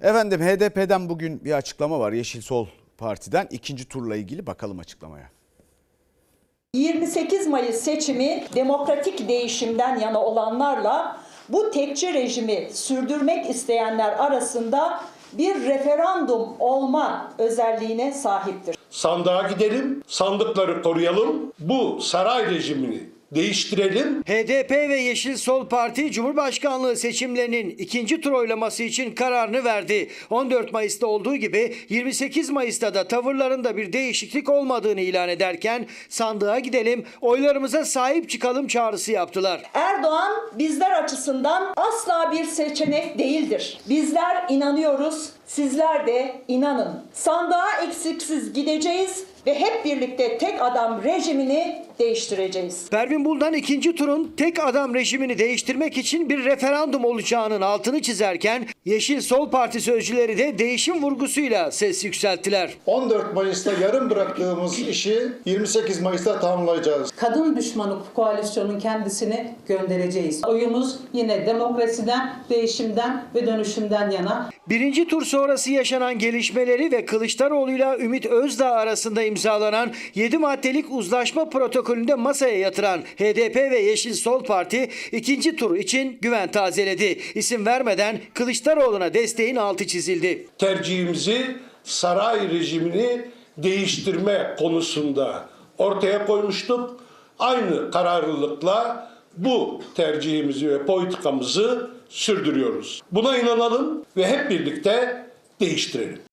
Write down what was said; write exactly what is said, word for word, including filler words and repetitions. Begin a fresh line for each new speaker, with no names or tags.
Efendim H D P'den bugün bir açıklama var. Yeşil Sol Parti'den ikinci turla ilgili bakalım açıklamaya.
yirmi sekiz Mayıs seçimi demokratik değişimden yana olanlarla bu tekçi rejimi sürdürmek isteyenler arasında bir referandum olma özelliğine sahiptir.
Sandığa gidelim, sandıkları koruyalım, bu saray rejimini değiştirelim.
H D P ve Yeşil Sol Parti Cumhurbaşkanlığı seçimlerinin ikinci tur oylaması için kararını verdi. on dört Mayıs'ta olduğu gibi yirmi sekiz Mayıs'ta da tavırlarında bir değişiklik olmadığını ilan ederken sandığa gidelim, oylarımıza sahip çıkalım çağrısı yaptılar.
Erdoğan bizler açısından asla bir seçenek değildir. Bizler inanıyoruz, sizler de inanın. Sandığa eksiksiz gideceğiz ve hep birlikte tek adam rejimini değiştireceğiz.
Pervin Buldan ikinci turun tek adam rejimini değiştirmek için bir referandum olacağının altını çizerken Yeşil Sol Parti sözcüleri de değişim vurgusuyla ses yükselttiler.
on dört Mayıs'ta yarım bıraktığımız işi yirmi sekiz Mayıs'ta tamamlayacağız.
Kadın düşmanı koalisyonun kendisini göndereceğiz. Oyumuz yine demokrasiden, değişimden ve dönüşümden yana.
Birinci tur sonrası yaşanan gelişmeleri ve Kılıçdaroğlu'yla Ümit Özdağ arasında imzalanan yedi maddelik uzlaşma protokolünde masaya yatıran H D P ve Yeşil Sol Parti ikinci tur için güven tazeledi. İsim vermeden Kılıçdaroğlu'na desteğin altı çizildi.
Tercihimizi saray rejimini değiştirme konusunda ortaya koymuştuk. Aynı kararlılıkla bu tercihimizi ve politikamızı sürdürüyoruz. Buna inanalım ve hep birlikte değiştirelim.